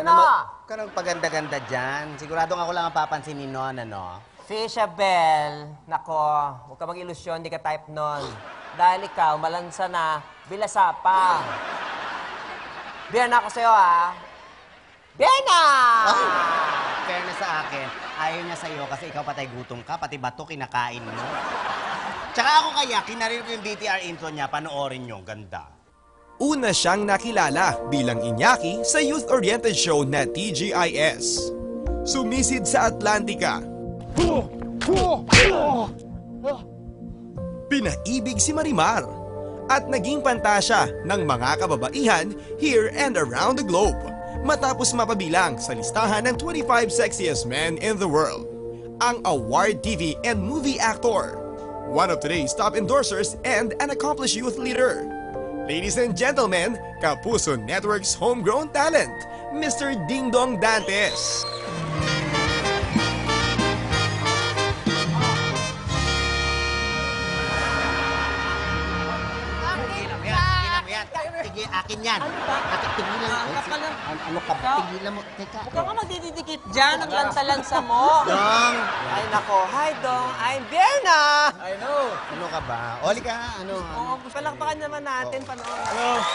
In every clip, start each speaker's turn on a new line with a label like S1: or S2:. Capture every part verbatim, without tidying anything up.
S1: Ano?
S2: Huwag ka nang paganda-ganda dyan. Siguradong ako lang ang papansin ni Non, ano?
S1: Fishabel, nako, huwag ka mag-ilusyon, di ka type nun. Dahil ikaw, malansa na, bilasa pa. Biyan ako sa'yo, ha? Biyan na!
S2: Fairness sa akin, ayaw niya sa'yo kasi ikaw patay gutom ka, pati bato kinakain mo. Tsaka ako kaya, kinarinig ko yung B T R intro niya, panoorin niyo, ganda.
S3: Una siyang nakilala bilang Iñaki sa youth-oriented show na T G I S. Sumisid sa Atlantica. Pinaibig si Marimar at naging pantasya ng mga kababaihan here and around the globe matapos mapabilang sa listahan ng twenty-five sexiest men in the world. Ang award T V and movie actor, one of today's top endorsers and an accomplished youth leader. Ladies and gentlemen, Kapuso Network's homegrown talent, Mister Ding Dong Dantes.
S2: Tigilan mo yan, tigilan mo yan. Tigil, akin yan. Akin, tigilan mo. Ano, ano ka ba? Tigilan mo. Teka.
S1: Huwag ka nga magdidikit dyan, ang lansa-lansa mo.
S2: Dong!
S1: Ay, nako, hi, Dong. I'm Berna.
S2: I know. Ano ka ba? Oli ka, ano?
S1: Oo, palakpakan naman natin, panoorin.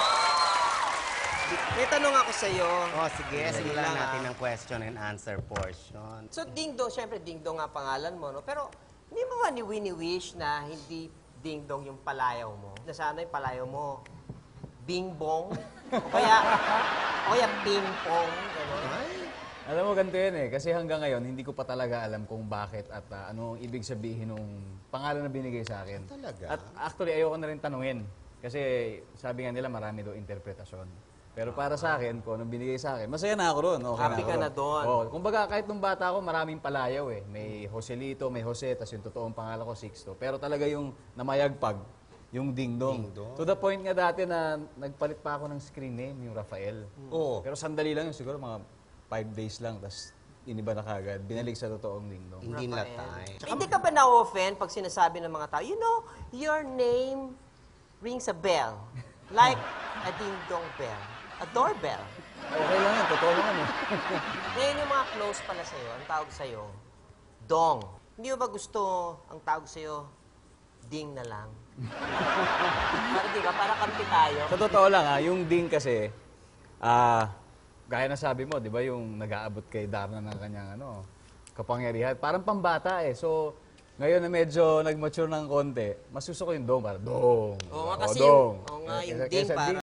S1: May tanong ako sa'yo.
S2: Oh, sige, simulan
S1: lang,
S2: natin
S1: ah.
S2: ang question and answer portion.
S1: So, Ding Dong, syempre Ding Dong nga pangalan mo, no? Pero, hindi mo ba ni Winnie wish na hindi Ding Dong yung palayaw mo? Na sana yung palayaw mo, Bing Bong? O kaya, o kaya Ping Pong? Gano'n?
S4: Alam mo, ganito yun eh. Kasi hanggang ngayon, hindi ko pa talaga alam kung bakit at uh, ano ang ibig sabihin ng pangalan na binigay sa akin.
S2: Talaga?
S4: At actually, ayoko na rin tanungin. Kasi sabi nga nila, marami daw interpretasyon. Pero para sa akin, kung anong binigay sa akin, masaya na ako ron. Okay
S1: Happy
S4: ako
S1: ka
S4: ron.
S1: na doon.
S4: Oo. Kumbaga, kahit nung bata ako, maraming palayaw eh. May Joselito, may Jose, tas yung totoong pangalan ko, Sixto. Pero talaga yung namayagpag, yung Ding Dong.
S2: Ding Dong.
S4: To the point nga dati na nagpalit pa ako ng screen name, yung Rafael.
S2: Oo.
S4: Pero sandali lang yun, siguro mga five days lang, tas iniba na kagad. Binalik sa totoong Ding Dong.
S2: Hindi
S1: Rafael.
S2: latay.
S1: Hindi ka ba na-offend pag sinasabi ng mga tao, you know, your name rings a bell. Like a Ding Dong bell. A doorbell.
S4: Okay lang yan, totoo naman eh.
S1: Ngayon yung mga close pala sa'yo, ang tawag sa'yo, Dong. Hindi mo ba gusto ang tawag sa'yo, Ding na lang? Para di ba? Para kampi tayo.
S4: Sa totoo lang ha, yung Ding kasi, ah, gaya na sabi mo, di ba yung nag-aabot kay Darna ng kanyang ano, kapangyarihan, parang pambata eh. So, ngayon na medyo nag-mature ng konti, mas gusto ko yung Dong, para Dong.
S1: Oo nga
S4: O,
S1: kasi
S4: Dong.
S1: yung, oo nga, yung
S4: Kaysa-
S1: Ding
S4: kaysa
S1: para